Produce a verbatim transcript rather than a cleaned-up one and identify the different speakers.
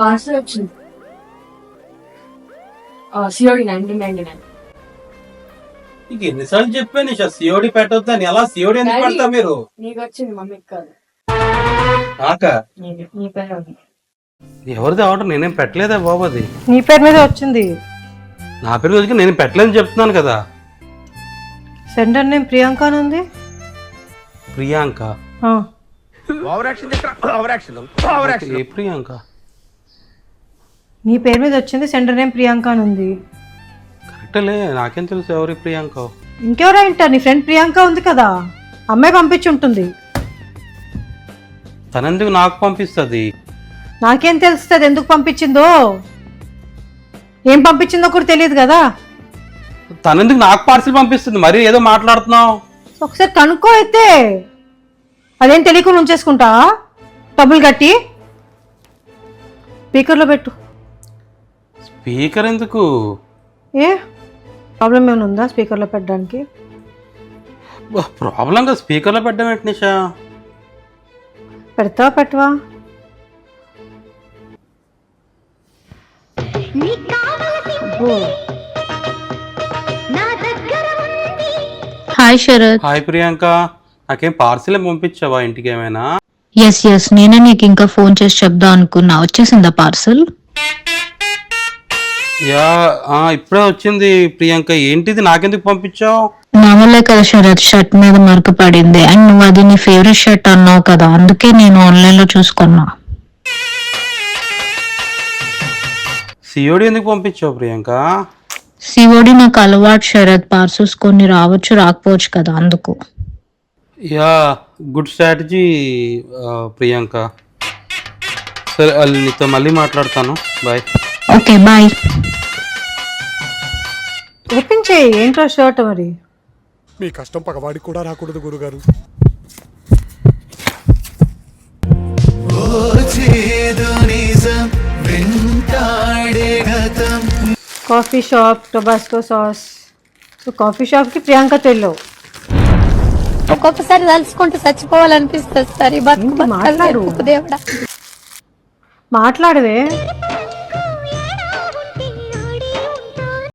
Speaker 1: Parcel వచ్చింది. COD nineteen ninety nine.
Speaker 2: నీకు ఎన్నిసార్లు చెప్పాను నిషా సిఓడి పెట్టొద్దు అని. ఎలా సిఓడి ఎందుకు పెడతా మీరు?
Speaker 1: నీకు వచ్చింది, మమ్మీకి కాదు.
Speaker 2: నాకా?
Speaker 1: నీ పేరు ఉంది.
Speaker 2: ఎవరిది ఆర్డర్? నేనేం పెట్టలేదా బాబు. అది
Speaker 3: నీ పేరు మీద వచ్చింది.
Speaker 2: నా పేరు మీద నేను పెట్టలేదని చెప్తున్నాను కదా.
Speaker 3: సెంటర్ నేమ్ ప్రియాంక అని ఉంది.
Speaker 2: ప్రియాంక?
Speaker 3: ఆ.
Speaker 2: ఏ ప్రియాంక?
Speaker 3: నీ పేరు మీద వచ్చింది, సెంటర్ నేమ్ ప్రియాంక అని ఉంది.
Speaker 2: కరెక్టలే, నాకేం తెలుసు ఎవరి ప్రియాంక.
Speaker 3: ఇంకెవరో ఇంటారు, నీ ఫ్రెండ్ ప్రియాంక ఉంది కదా, అమ్మాయి పంపించి ఉంటుంది.
Speaker 2: తనెందుకు నాకు పంపిస్తుంది?
Speaker 3: నాకేం తెలుస్తుంది ఎందుకు పంపించిందో. ఏం పంపించిందో కూడా తెలియదు కదా.
Speaker 2: తనెందుకు నాకు పార్సిల్ పంపిస్తుంది? మరి ఏదో మాట్లాడుతున్నావు.
Speaker 3: ఒకసారి కనుక్కో. అయితే అదేం తెలియకుండా ఉంచేసుకుంటా డబ్బులు కట్టి. స్పీకర్లో పెట్టు.
Speaker 2: స్పీకర్ ఎందుకు?
Speaker 3: ఏ ప్రాబ్లం ఏమైనా ఉందా స్పీకర్లో పెట్టడానికి?
Speaker 2: ప్రాబ్లంగా స్పీకర్లో పెట్టడం ఏంటి నిషా?
Speaker 3: పెడతావా పెట్టవా?
Speaker 4: హాయ్ శరత్.
Speaker 2: హాయ్ ప్రియాంక. నాకేం పార్సిల్ పంపించావా ఇంటికి ఏమైనా?
Speaker 4: ఎస్ ఎస్ నేనే నీకు ఇంకా ఫోన్ చేసి చెప్దాం అనుకున్నా. వచ్చేసిందా పార్సల్?
Speaker 2: యా ఇప్పుడే వచ్చింది ప్రియాంక. ఏంటిది, నాకెందుకు పంపించావు?
Speaker 4: మామూలే కదా శరత్, షర్ట్ మీద మరక పడింది అండ్ నువ్వు అది నీ ఫేవరెట్ షర్ట్ అన్నావు కదా, అందుకే నేను ఆన్లైన్ లో చూసుకున్నా.
Speaker 2: సిఓడి ఎందుకు పంపించావు ప్రియాంక?
Speaker 4: సిఓడి నాకు అలవాటు శరత్, పార్సల్స్ కొన్ని రావచ్చు రాకపోవచ్చు కదా, అందుకు.
Speaker 2: Yeah good strategy Priyanka. సరే నీతో మళ్ళీ మాట్లాడతాను. బాయ్.
Speaker 4: Okay bye.
Speaker 3: ఓపెన్ చేయి. ఏంట్రా షర్ట్ మరి?
Speaker 5: మీ కష్టం పగవాడికి కూడా రాకూడదు గురుగారు.
Speaker 3: Coffee shop, Tabasco sauce. So coffee షాప్కి ప్రియాంకతో వెళ్ళావు.
Speaker 6: ఒక్కొక్కసారి తలుచుకుంటూ చచ్చిపోవాలనిపిస్తుంది సార్. ఈ బతుకు
Speaker 3: మాట్లాడు.
Speaker 6: దేవుడా
Speaker 3: మాట్లాడవే.